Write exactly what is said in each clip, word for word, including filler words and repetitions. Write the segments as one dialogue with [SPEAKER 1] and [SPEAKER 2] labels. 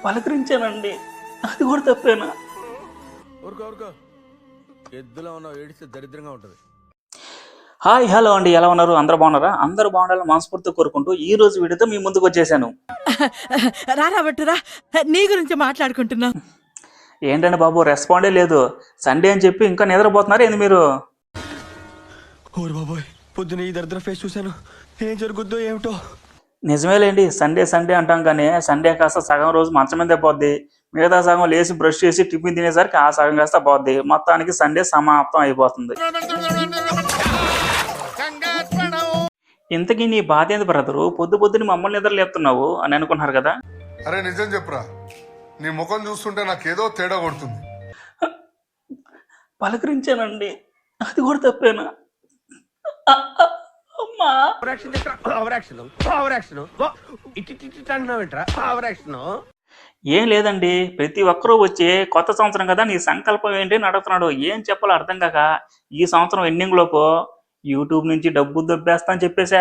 [SPEAKER 1] పలకరించానండి, అది కూడా తప్పేనా?
[SPEAKER 2] ఊరుకో ఊరుకో, ఎద్దులో ఉన్నావు, ఏడిస్తే దరిద్రంగా ఉంటుంది.
[SPEAKER 1] హాయ్ హలో అండి, ఎలా ఉన్నారు? అందరూ బాగున్నారా? అందరూ బాగుండాలని మనస్ఫూర్తిగా కోరుకుంటూ ఈ రోజు వీడియోతో మీ ముందుకు వచ్చేసాను.
[SPEAKER 3] రారా బట్టురా, నీ గురించి మాట్లాడుకుంటున్నా.
[SPEAKER 1] ఏంటండి బాబు, రెస్పాండే లేదు. సండే అని చెప్పి ఇంకా నిద్రపోతున్నారు ఏంది మీరు?
[SPEAKER 4] ఓరు బాబోయ్, పొద్దున ఈ దరిద్ర ఫేస్ చూశాను, ఏం జరుగుద్దో ఏమిటో.
[SPEAKER 1] నిజమేలేండి, సండే సండే అంటాం కానీ సండే కాస్త సగం రోజు మంచం మీదే పోద్ది. మిగతా సగం లేచి బ్రష్ చేసి టిఫిన్ తినేసరికి ఆ సగం కాస్త పోద్ది. మొత్తానికి సండే సమాప్తం అయిపోతుంది. ఇంతకీ నీ బాధ ఏంది బ్రదరు? పొద్దు పొద్దుని మమ్మల్ని నిద్ర లేపుతున్నావు అని అనుకున్నారు కదా.
[SPEAKER 5] అరే నిజం చెప్పురా, నీ ముఖం చూస్తుంటే నాకేదో తేడా కొడుతుంది.
[SPEAKER 1] పలకరించానండి, అది కూడా తప్పేనా? అమ్మా, ఏం లేదండి, ప్రతి ఒక్కరూ వచ్చి కొత్త సంవత్సరం కదా నీ సంకల్పం ఏంటి అని అడుగుతున్నాడు. ఏం చెప్పాలో అర్థం కాక ఈ సంవత్సరం ఎండింగ్ లోపు యూట్యూబ్ నుంచి డబ్బు దొబ్బేస్తా అని చెప్పేశా.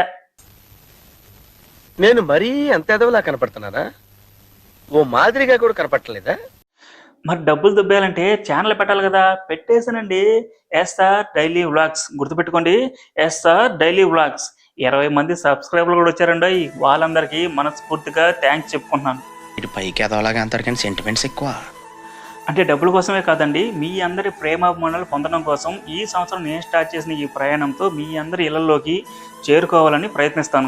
[SPEAKER 6] నేను మరీ అంత ఎదవలా కనపడుతున్నానా? ఓ మాదిరిగా కూడా కనపడలేదా?
[SPEAKER 1] మరి డబ్బులు దొబ్బేయాలంటే ఛానల్ పెట్టాలి కదా. పెట్టేశానండి, ఎస్ఆర్ డైలీ వ్లాగ్స్. గుర్తుపెట్టుకోండి, ఎస్ఆర్ డైలీ వ్లాగ్స్. ఇరవై మంది సబ్స్క్రైబర్లు కూడా వచ్చారండి. వాళ్ళందరికీ మనస్ఫూర్తిగా థ్యాంక్స్ చెప్పుకుంటున్నాను.
[SPEAKER 7] ఇటు పైకి ఎదవలాగా అంటారు కానీ సెంటిమెంట్స్ ఎక్కువ.
[SPEAKER 1] అంటే డబ్బుల కోసమే కాదండి, మీ అందరి ప్రేమాభిమానాలు పొందడం కోసం ఈ సంవత్సరం నేను స్టార్ట్ చేసిన ఈ ప్రయాణంతో మీ అందరి ఇళ్లలోకి చేరుకోవాలని ప్రయత్నిస్తాను.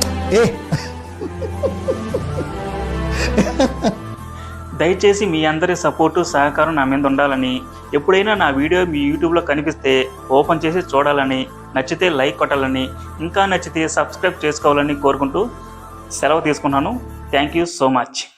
[SPEAKER 1] దయచేసి మీ అందరి సపోర్టు సహకారం నా మీద ఉండాలని, ఎప్పుడైనా నా వీడియో మీ యూట్యూబ్లో కనిపిస్తే ఓపెన్ చేసి చూడాలని, నచ్చితే లైక్ కొట్టాలని, ఇంకా నచ్చితే సబ్స్క్రైబ్ చేసుకోవాలని కోరుకుంటూ సెలవు తీసుకున్నాను. Thank you so much.